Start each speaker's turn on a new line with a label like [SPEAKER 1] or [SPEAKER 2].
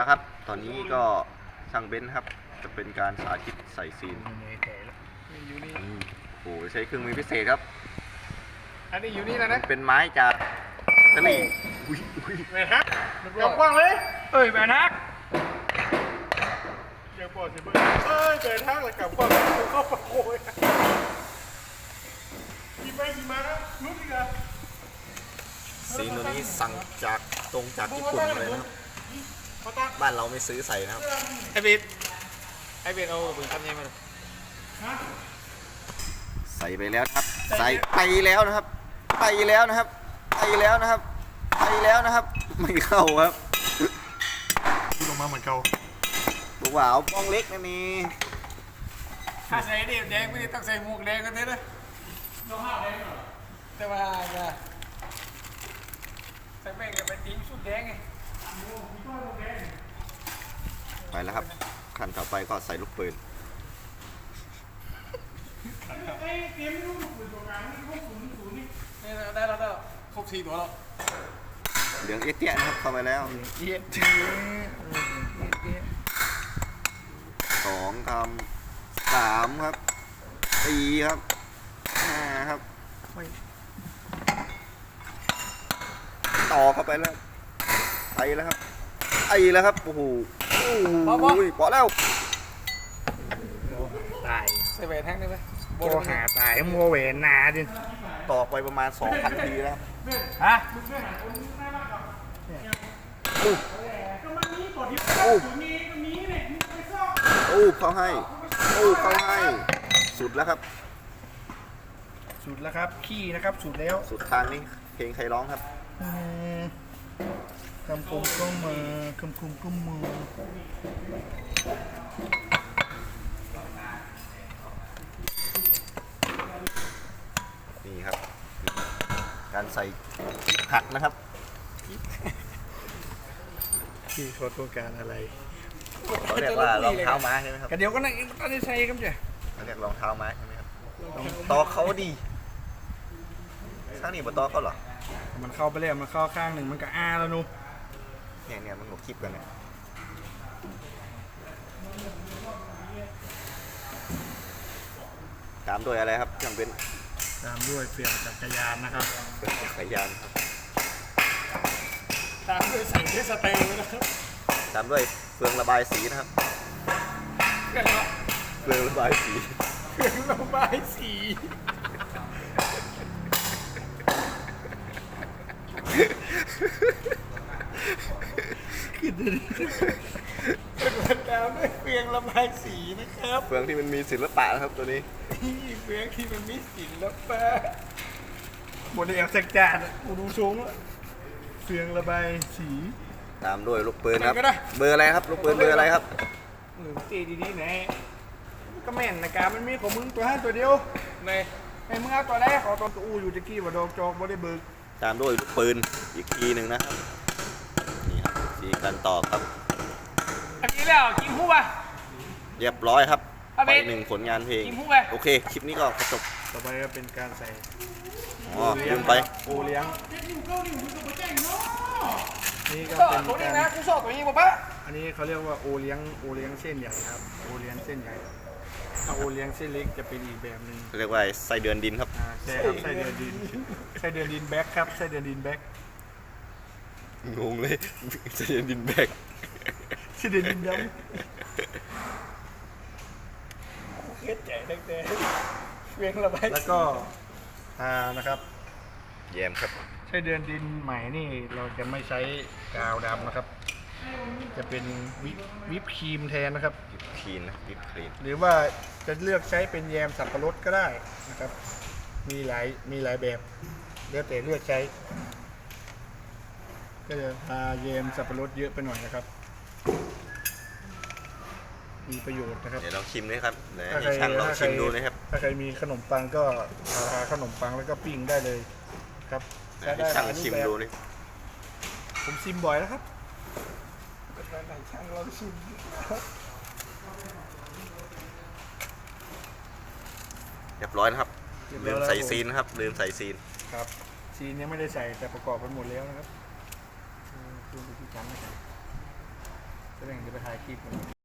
[SPEAKER 1] แล้วครับตอนนี้ก็ช่างเบนซ์ครับจะเป็นการสาธิตใส่ซีนโอ้โหใช้เครื่องมือพิเศษครับ
[SPEAKER 2] อันนี้อยู่นี่แล้วนะ
[SPEAKER 1] เป็นไม้จากอิตาลี
[SPEAKER 2] แมนฮักจับกว้างเลยเอ้ยแมนฮักเดี๋ยวปอดสิเบิ้งเอ้ยแมนฮักเลยกับกว้างเข้าปะโอยมีไปมีมาครับรู้ดิครับ
[SPEAKER 1] ซีนตัวนี้สั่งจากตรงจากญี่ปุ่นเลยนะครับบ้านเราไม่ซื้อใส่นะครับ
[SPEAKER 2] ไอเบนเอาบึงทำยังไงมา
[SPEAKER 1] ใส่ไปแล้วครับใส่ไปแล้วนะครับไปแล้วนะครับไปแล้วนะครับไปแล้วนะครับไม่เข้าครับ
[SPEAKER 2] ลงมาเหมือนเก่า
[SPEAKER 1] บอกว่าเอาบ้องเล็กนั่นนี่
[SPEAKER 2] ถ้าใส่เดียบแดงไม่ได้ต้องใส่หมวกแดงกันเลยนะน้องห้าวแดงเหรอแต่ว่าใส่แม่งกับไปติ้งชุดแดงไง
[SPEAKER 1] ไปแล้วครับขั้นต่อไปก็ใส่ลูกปืน
[SPEAKER 2] ได้แล้วครบ4 ตัวแล้ว
[SPEAKER 1] เหลืองเอี้ยนะครับเข้าไปแล้ว2 ครับ 3 ครับ 4 ครับ 5 ครับต่อเข้าไปแล้วไปแล้วครับโอ้โหปอแล้ว
[SPEAKER 2] ตายใส่แหวนแท่งได้ไหม
[SPEAKER 3] โบหาตายมัวเวนนาดิ
[SPEAKER 1] ต่อไปประมาณ 2,000 ทีแล้ว
[SPEAKER 3] ฮะ
[SPEAKER 1] เข้าให้สุดแล้วครับ
[SPEAKER 3] สุดแล้วครับขี้นะครับสุดแล้ว
[SPEAKER 1] สุดทางนี้เพลงใครร้องครับ
[SPEAKER 3] คำคมก็มาคำคมก็มา
[SPEAKER 1] นี่ครับการใส่หักนะครับ
[SPEAKER 3] ที่เขาต้องการอะไร
[SPEAKER 1] เขาเรียกว่ารองเท้าม้าใช่ไหมครับ
[SPEAKER 3] กันเดี๋ยวก็นั่งตอนนี้ใส่ครับเจ้
[SPEAKER 1] เขาเรียกรองเท้าม้าใช่ไหมครับต่อเขาดีข้างนี้บนต่อเขาเหรอ
[SPEAKER 3] มันเข้าไปแล้วมันเข้าข้างหนึ่งมันก็แล้วนู
[SPEAKER 1] เนี่ยมันหนูคลิปกันเนี่ยตามด้วยอะไรครับเครื่องเป็น
[SPEAKER 3] ตามด้วยเฟืองจักรยานนะครับ
[SPEAKER 1] เฟืองจักรยานครับ
[SPEAKER 2] ตามด้วยใส่เทสเตอร์นะครับ
[SPEAKER 1] ตามด้วยเฟืองระบายสีนะครับเฟืองระบายสี
[SPEAKER 3] คือเดิน
[SPEAKER 2] เป็นตามด้วยเฟืองระบายสีนะครับ
[SPEAKER 1] เฟืองที่มันมีศิลปะนะครับตัวนี้
[SPEAKER 2] เฟืองที่มันมีศิลปะ
[SPEAKER 3] หมดเอวสักจานกูดูสูงเฟืองระบายสี
[SPEAKER 1] ตามด้วยลูกปืนครับเบอร์อะไรครับลูกปืนเบอร์อะไรครับ
[SPEAKER 3] ตีดีๆไหนก็แม่นนะการมันมีของมึงตัว5 ตัวเดียว
[SPEAKER 2] ใน
[SPEAKER 3] มึงเอาตัวแรกขอตัวอู้อยู่ตะกี้ว่าดอกจอกบ่ได้เบิก
[SPEAKER 1] ตามด้วยลูกปืนอีกทีหนึ่งนะครับนี่ครับสีกันต่อครับ
[SPEAKER 2] อันนี้แล้วกินหูป่ะ
[SPEAKER 1] เรียบร้อยครับไป1 ผลงานเพลงโอเคคลิปนี้ก็จบ
[SPEAKER 3] ต่อไปก็เป็นการใส่
[SPEAKER 1] ลืมไป
[SPEAKER 3] โอเลี้ยงนี่ก็เป็น
[SPEAKER 2] ตัวนี้นะกูชอบตัวนี้ป่ะ
[SPEAKER 3] อันนี้เขาเรียกว่าโอเลี้ยงเส้นใหญ่ครับโอเลี้ยงเส้นใหญ่ถ้าโอเลี้ยงเส้นเล็กจะเป็นอีกแบบหนึ่ง
[SPEAKER 1] เรียกว่าไส้เดือนดินครับ
[SPEAKER 3] ใช่ครับไส้เดือนดินแบ็คครับไส้เดือนดินแบ็ค
[SPEAKER 1] งงเลยไส้เดือนดินแบ็ค
[SPEAKER 3] ไส้เดือนดินดำ
[SPEAKER 2] เฮ็ดใจตั้งแต่เวียงระบาย
[SPEAKER 3] แล้วก็นะครับ
[SPEAKER 1] แยมครับ
[SPEAKER 3] ไส้เดือนดินใหม่นี่เราจะไม่ใช้กาวดำนะครับจะเป็นวิปครีมแทนนะครับ
[SPEAKER 1] วิปครีมนะวิปครีม
[SPEAKER 3] หรือว่าจะเลือกใช้เป็นแยมสับปะรดก็ได้นะครับมีหลายแบบแล้วแต่เลือกใช้ก็จะแยมสับปะรดเยอะไปหน่อยนะครับมีประโยชน์นะครับ
[SPEAKER 1] เดี๋ยวลองชิมด้วยครับให้ช่างลองชิมดูนะครับ
[SPEAKER 3] ถ้าใครมีขนมปังก็ทาขนมปังแล้วก็ปิ้งได้เลยครับ
[SPEAKER 1] ให้ช่างชิมดูนี่
[SPEAKER 3] ผมชิมบ่อยแล้วครับ
[SPEAKER 2] ช่างลองชิม
[SPEAKER 1] เรียบร้อยนะครับลืมใส่ซีนครับลืมใส่ซีน
[SPEAKER 3] ครับซีนยังไม่ได้ใส่แต่ประกอบไปหมดแล้วนะครับคือวิธีการไม่ใส่ก็เลยจะไปถ่ายคลิป